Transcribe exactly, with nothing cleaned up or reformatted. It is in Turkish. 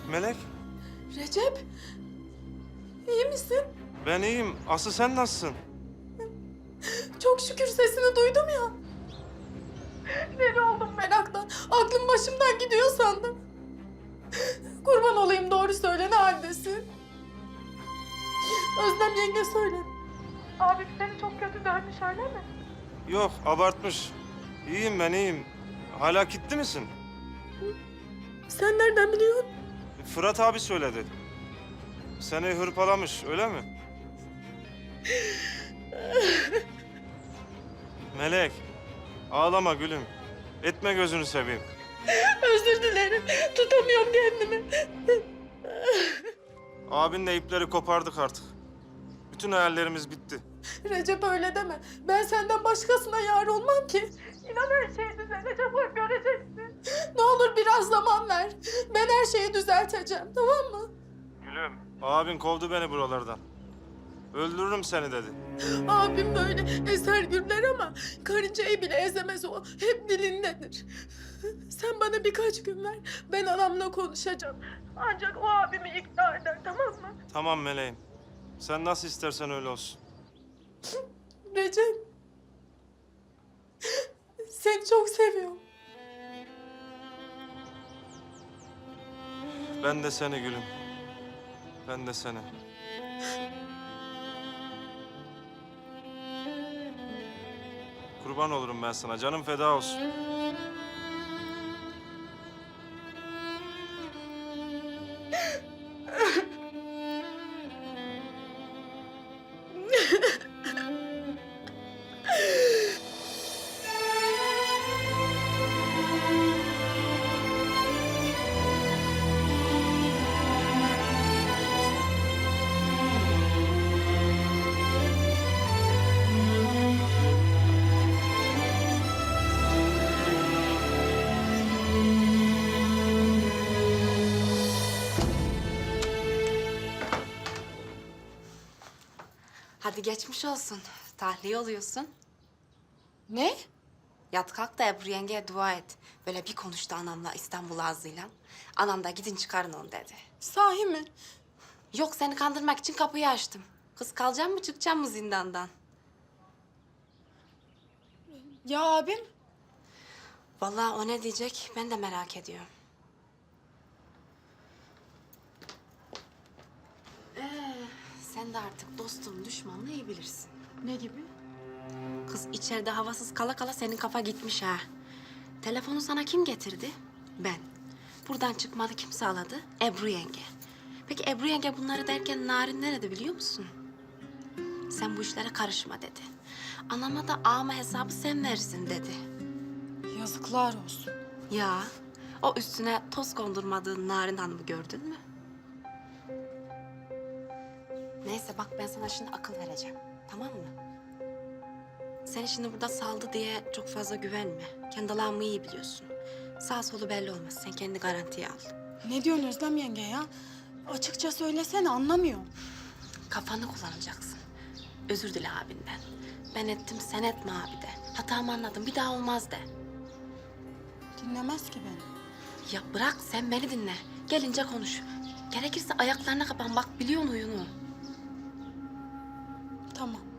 Melek, Recep, iyi misin? ben iyiyim. Aslı sen nasılsın? Çok şükür sesini duydum ya. Deli oldum meraktan. Aklım başımdan gidiyor sandım. Kurban olayım, doğru söyle, ne haldesin? Özlem yenge söyledi. Abim seni çok kötü dövmüş, öyle mi? Yok, abartmış. İyiyim ben, iyiyim. Hala gitti misin? Sen nereden biliyorsun? Fırat abi söyledi. Seni hırpalamış, öyle mi? Melek, ağlama gülüm. Etme gözünü seveyim. Özür dilerim, tutamıyorum kendimi. Abinle ipleri kopardık artık. Bütün hayallerimiz bitti. Recep öyle deme. Ben senden başkasına yar olmam ki. İnan her şey düzelecek, bak göreceksin. Ne olur biraz zaman ver. Ben her şeyi düzelteceğim, tamam mı? Gülüm, abin kovdu beni buralardan. Öldürürüm seni dedi. Abim böyle ezer gürler ama karıncayı bile ezemez o. Hep dilindedir. Sen bana birkaç gün ver. Ben anamla konuşacağım. Ancak o abimi ikna eder, tamam mı? Tamam meleğim. Sen nasıl istersen öyle olsun. Recep. Seni çok seviyorum. Ben de seni gülüm. Ben de seni. Kurban olurum ben sana. Canım feda olsun. Hadi geçmiş olsun. Tahliye oluyorsun. Ne? Yat kalk da Ebru yengeye dua et. Böyle bir konuştu anamla İstanbul ağzıyla. Anam da gidin çıkarın onu dedi. Sahi mi? Yok seni kandırmak için kapıyı açtım. Kız kalacak mı çıkacak mı zindandan? Ya abim? Vallahi o ne diyecek ben de merak ediyorum. Ee, sen de artık dostum düşmanını iyi bilirsin. Ne gibi? Kız içeride havasız kala kala senin kafa gitmiş ha. Telefonu sana kim getirdi? Ben. Buradan çıkmadı kim sağladı? Ebru yenge. Peki Ebru yenge bunları derken Narin nerede biliyor musun? Sen bu işlere karışma dedi. Anama da ağama hesabı sen verirsin dedi. Yazıklar olsun. Ya o üstüne toz kondurmadığın Narin Hanım'ı gördün mü? Neyse bak ben sana şimdi akıl vereceğim. Tamam mı? Seni şimdi burada saldı diye çok fazla güvenme. Kendi Allah'ımı iyi biliyorsun. Sağ solu belli olmaz. Sen kendi garantiye al. Ne diyorsun Özlem yenge ya? Açıkça söylesene, anlamıyorum. Kafanı kullanacaksın. Özür dile abinden. Ben ettim sen etme abi de. Hatamı anladım bir daha olmaz de. Dinlemez ki beni. Ya bırak sen beni dinle. Gelince konuş. Gerekirse ayaklarına kapan bak biliyorsun oyunu. Tamam.